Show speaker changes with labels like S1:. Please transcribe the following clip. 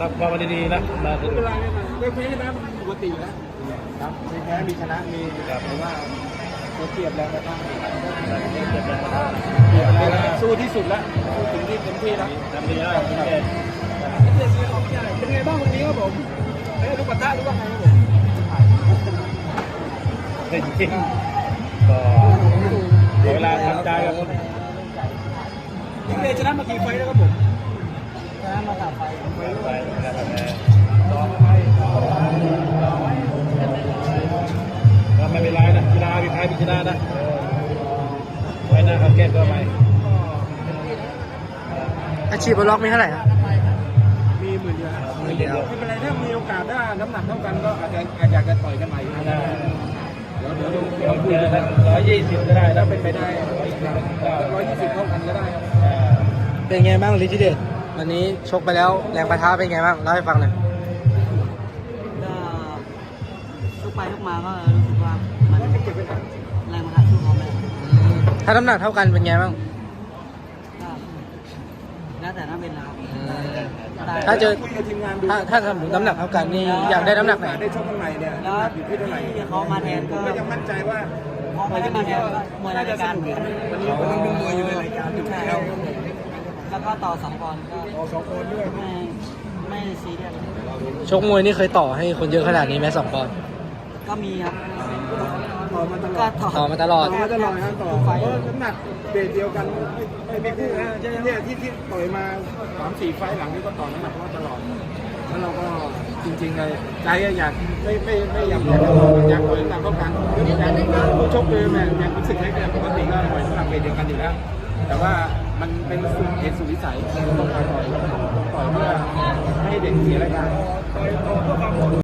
S1: ครับก็มาดีๆนะมา
S2: ไม่เป็นไรไม่เป็นไรเรื่องแพ้ชนะปกติแล้วครับมีแพ้มีชนะมีแต่ว่าเราเปรียบแล้วนะครับสู้ที่สุดแล้วสู้ถึงที่เต็มที่แล้ว
S1: ทำดีแล้วโอเค
S2: เป็นไงบ้างวันนี้ครับผมลูกปะทะหรือว่าไงครับผม
S1: จริงๆก็เวลาทำใจกับ
S2: พี่เมย์ชนะมากี่ไฟแล้วครับผมชนะมา3 ไฟ
S1: ไปนะครับก็ไม่เป็นไรนะกีฬามีใครมีชนะนะไว้หน้าเขาแก้ตัวใหม่
S3: อาชีพบอลล็อกมีเท่าไหร่ครับ
S2: มี10,000 เดียว
S3: 10,000 เดียว
S2: ไม่เป็นไรถ้ามีโอกาสถ้าน้ำหนักเท่ากันก็อาจจะอยากจะต่อยกันใหม่เดี๋ยวคุยกัน
S1: 120ก็ได้
S2: ถ้า
S1: นะ
S2: เป็นไปได้120เท่ากันก็ได้ครับ
S3: เป็นไงบ้างฤทธิเดชวันนี้ชกไปแล้วแรงปะทะเป็นไงบ้างเล่าให้ฟังหน่อย
S4: ก็ทุกไปทุกมาก็รู้สึกว่ามันแรงมาหาสู้เขาไม่ได้
S3: ถ้าน้ำหนักเท่ากันเป็นไงบ้าง
S4: ก็แล้วแต่ถ้าเป็นนะครับได้
S3: ถ้าเจอ
S2: คุยกับทีมงานดู
S3: ถ้าสมมติน้ำหนักเท่ากันนี่อยากได้น้ำหนักไหน
S2: ได้ชกข้างในเนี่ย
S4: แล้ว
S2: อยู่ที่เท่าไหร่
S4: ที่เขามาแทนก็
S2: ก็ยังมั่นใจว่า
S4: เขาไม่ได้มาแทนก็มวยรายการ
S2: วันนี้ผมเป็นมวยอยู่ในรายการอยู่
S4: ใช่
S2: แล้ว
S4: แล้วก็ต่อ2 ปอนด์ก็
S2: 2 คนด้วย
S4: ไม่ซีเรียส
S3: ชกมวยนี่เคยต่อให้คนเยอะขนาดนี้ไหม2 ปอนด์
S4: ก็มีครับ
S2: ต่อมาตล
S4: ก็
S2: อด
S4: ต่อ
S3: ต่อมาตลอด
S2: ต่อมาตลอดนะต่อ
S4: ทุกไฟ
S2: เพราะน้ำหนักเบสเดียวกันไม่คู่นะเนี่ยที่ต่อยมา3-4 ไฟล์หลังนี่ก็ต่อน้ำหนักมาตลอดแล้วเราก็จริงๆเลยใจอยากไม่อยากต่อยอยากต่อยน้ำหนักเท่ากันอยากผู้ชกเลยแม่อยากรู้สึกให้เป็นปกติก็ต่อยน้ำหนักเบสเดียวกันอยู่แล้วแต่ว่ามันเป็นเหตุสุดวิสัยต้องต่อยเพื่อให้เด็กเสียรายการ